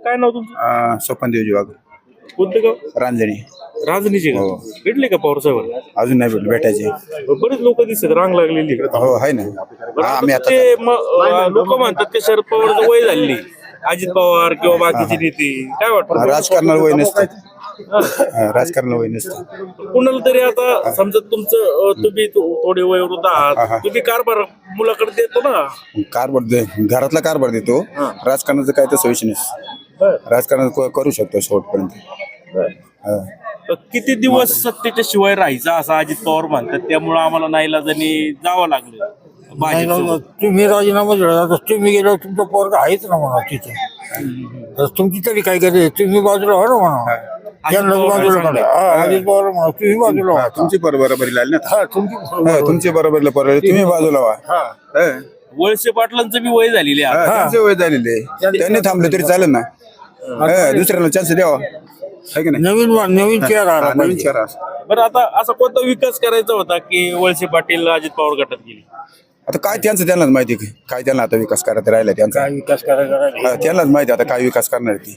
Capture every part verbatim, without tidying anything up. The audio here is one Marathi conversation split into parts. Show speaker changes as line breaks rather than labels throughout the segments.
काय नाव तुमचं?
स्वपन देवजी वाघ
कोणतं गाव?
रांजणी
राजनीचे का? भेटले का पवार साहेबांना?
अजून नाही भेटले भेटायचे
बरेच लोक दिसत रांग लागलेली.
हो आहे ना हा, आम्ही आता
ते लोक म्हणतात की शरद पवारचं वय झाली, अजित पवार किंवा बाकीचे नेते, काय वाटतं?
राजकारणाला वय नसतं हा, राजकारणाला वय नसतं
कुणाला तरी आता समजा तुमचं अं, तुम्ही थो- थोडे वयोवृद्ध आहात, तुम्ही कारभार मुलाकडे देतो ना.
कारभार दे घरातला कारभार देतो राजकारणाचं काय तर विषय नाही राजकारण क- करू शकतो शेवटपर्यंत हा.
तर किती दिवस सत्तेच्या शिवाय राहायचा असं अजित पवार म्हणतात, त्यामुळे आम्हाला नाईलाजाने जावं लागलं
नाही ना,
भाजपसोबत.
तुम्ही राजीनामा दिला तर तुम्ही गेल्यावर तुमचा पोरगा आहेच ना म्हणा तिथे. तर तुमची तरी काय करते, तुम्ही बाजूला व्हा ना म्हणा. त्यांना
पवार
बाजूला
सांगा.
काढा. अजित पवार म्हणा तुम्ही बाजूला व्हा.
तुमची बरोबरी लागली ना
हा, तुमची
हा, तुमची बरोबरी बरोबर तुम्ही बाजूला व्हा
हा.
हा.
वळसे पाटलांचं बी वय झालेले आहे.
हा, त्यांचे वय झालेले त्यांनी थांबले तरी चालेल ना हा, दुसऱ्याला चान्स द्यावा है की नाही
नवीन वा- नवीन चेहरा आला
हा, नवीन
पाहिजे.
चेहरा
बरं, आता असा कोणता विकास करायचा होता की वळसे पाटील अजित पवार गटात गेली?
आता काय त्यांचं त्यांनाच माहिती आहे. काय त्यांना आता विकास करायचा राहिला त्यांचा
काय विकास करायचा राहिला.
हा, त्यांनाच माहिती आहे आता काय विकास करणार आहे ती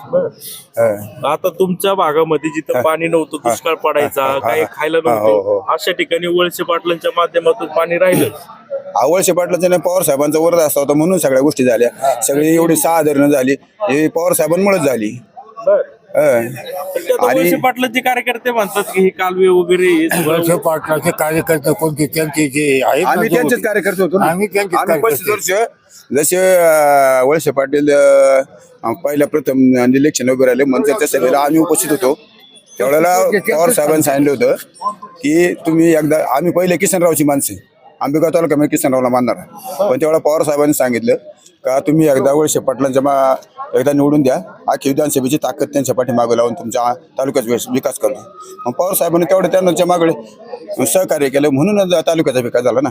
हा.
आता तुमच्या भागामध्ये जिथं पाणी नव्हतं, दुष्काळ पडायचा, काही खायला
हा, हो, हो.
नव्हतं, अशा ठिकाणी वळसे पाटलांच्या माध्यमातून पाणी राहिलं.
आवळशे पाटलाचं नाही पवार साहेबांचा वरद असता होता म्हणून सगळ्या गोष्टी झाल्या सगळी एवढी सहा धरणं झाली हे पवार साहेबांमुळेच झाली हा.
तर ते आता
आणि-
वळसे पाटलांचे कार्यकर्ते म्हणतात की हे कालवे वगैरे हे सगळं-
वळसे पाटलाचे कार्यकर्ते कोणते त्यांचे जे आहेत ना
आम्ही
जो-
त्यांचेच कार्यकर्ते होतो ना.
आम्ही त्यांचेच
आम्ही पस्तीस
कार्यकर्ते.
वर्ष जसे अं, वळसे पाटील अं, पहिल्या प्रथम इलेक्शन उभे राहिले मंचरच्या सभेला आम्ही उपस्थित होतो त्यावेळेला पवार साहेबांनी सांगितलं होतं की तुम्ही एकदा आम्ही पहिले किसनरावची माणसं आंबेगाव तालुक्यामध्ये किसनरावला मानणार पण त्यावेळेला पवार साहेबांनी सांगितलं का तुम्ही एकदा वळसे पाटलांच्या मा एकदा निवडून द्या आखी विधानसभेची ताकद त्यांच्या पाठीमागे लावून तुमच्या तालुक्याचा विस- विकास करतो मग पवार साहेबांनी तेवढं त्यांच्या मागे सहकार्य केलं म्हणून तालुक्याचा विकास झाला ना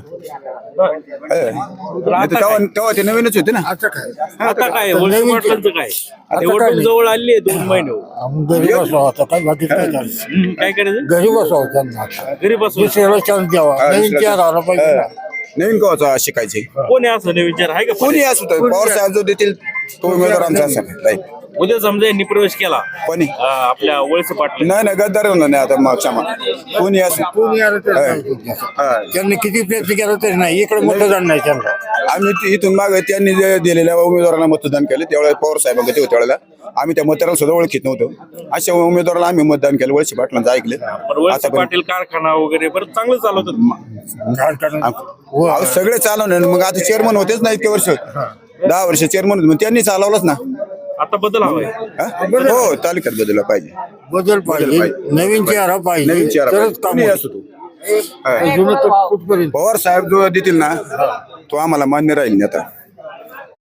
हे. नाही तर तेव्हा तेव्हा ते नवीनच होते ना
आता काय
आता काय वळसे पाटलांचं काय? निवडणूक जवळ आली आहे, दोन महिने हो.
आम्ही घरी बसावं आता काय बाकी काय चाललं.
हम्म, काय करायचं?
घरी बसावं त्यांना आता.
घरी बसून
दुसऱ्याला चान्स द्यावा
हा,
नवीन
दुसऱ्याला-
चेहरा आला पाहिजे ना.
नवीन कवाचा शिकायचे
कोणी असं नाही विचार आहे का?
कोणी असू तर पवार साहेब जो देतील तो उमेदवार आमचा असेल राईट
उद्या समजा यांनी प्रवेश केला
कोणी
अं, आपल्या वळसे पाटील,
नाही नाही गद्दार होणार नाही आता मग क्षमा कोणी असू
कोणी आलं तर
हा.
काय तुमचं?
हा.
त्यांनी किती प्रयत्न केला तरी नाही इकडे मतदान नाही त्यांना.
आम्ही ती- इथून माग त्यांनी जे दिलेल्या उमेदवारांना मतदान केलं त्यावेळेला पवार साहेबांकडे ते होते त्यावेळेला आम्ही त्या मतदाराला सुद्धा ओळखीत नव्हतो अशा उमेदवाराला आम्ही मतदान केलं वळसे पाटलांचं ऐकलं
पण वळसे
आता
पाटील कारखाना वगैरे बरं चांगलं चालवतात.
कारखाना- हो.
अहो, सगळे चालवणे मग आता चेअरमन होतेच ना इतके वर्ष दहा वर्ष चेअरमन होते मग त्यांनी चालवलंच ना
आता बदल हवाय.
हा? हो तालुक्यात बदलला पाहिजे
बदल पाहिजे
पाहिजे.
नवीन चेहरा पाहिजे
नवीन चेहरा
तरच
पाहिजे.
काम
कोणी
होईल.
असू तू हा.
जुनं तर कुठपर्यंत
पवार साहेब जो देतील ना तो आम्हाला मान्य राहील नाही आता